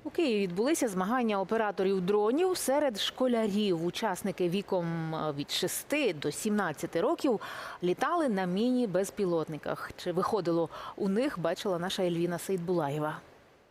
У Києві відбулися змагання операторів дронів серед школярів. Учасники віком від 6 до 17 років літали на міні-безпілотниках. Чи виходило у них, бачила наша Ельвіна Сейдбулаєва.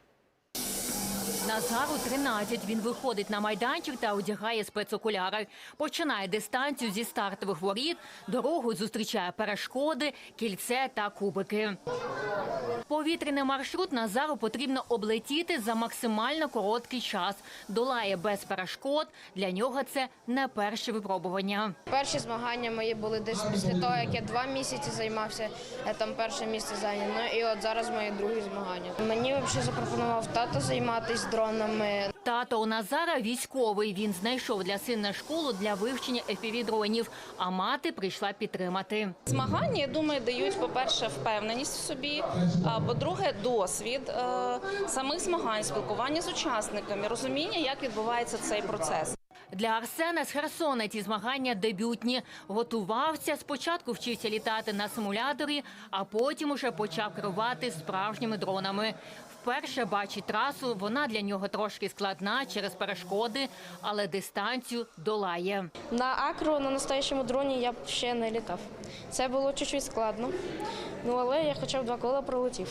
Назару 13. Він виходить на майданчик та одягає спецокуляри. Починає дистанцію зі стартових воріт, дорогу зустрічає перешкоди, кільце та кубики. Повітряний маршрут Назару потрібно облетіти за максимально короткий час. Долає без перешкод. Для нього це не перше випробування. Перші змагання мої були десь після того, як я 2 місяці займався, я там перше місце зайняв. Ну і от зараз мої другі змагання. Мені взагалі запропонував тато займатися дронами. Тато у Назара військовий. Він знайшов для сина школу для вивчення FPV-дронів, а мати прийшла підтримати. Змагання, я думаю, дають, по-перше, впевненість в собі, а по-друге, досвід самих змагань, спілкування з учасниками, розуміння, як відбувається цей процес. Для Арсена з Херсона ці змагання дебютні. Готувався, спочатку вчився літати на симуляторі, а потім уже почав керувати справжніми дронами. Вперше бачить трасу, вона для нього трошки складна через перешкоди, але дистанцію долає. На акро, на настоящому дроні я б ще не літав. Це було чуть-чуть складно, але я хоча б 2 кола пролетів.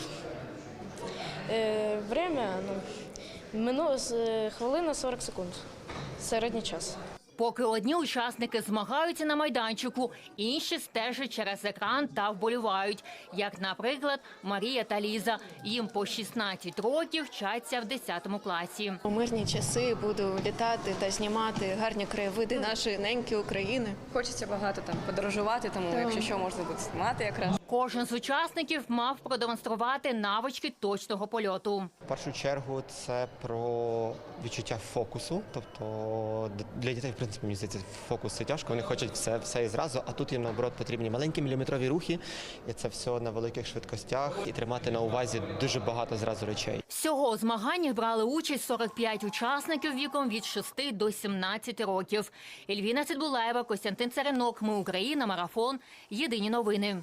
Время, хвилина 40 секунд. Середній час. Поки одні учасники змагаються на майданчику, інші стежать через екран та вболівають. Як, наприклад, Марія та Ліза. Їм по 16 років, вчаться в 10 класі. У мирні часи буду літати та знімати гарні краєвиди нашої неньки України. Хочеться багато там подорожувати, тому якщо що, можна буде знімати якраз. Кожен з учасників мав продемонструвати навички точного польоту. В першу чергу це про відчуття фокусу. Тобто для дітей, в принципі, мені здається, фокус це тяжко. Вони хочуть все і зразу, а тут їм, наоборот, потрібні маленькі міліметрові рухи. І це все на великих швидкостях. І тримати на увазі дуже багато зразу речей. Всього у змаганнях брали участь 45 учасників віком від 6 до 17 років. Ельвіна Сейдбулаєва, Костянтин Царинок. Ми Україна. Марафон. Єдині новини.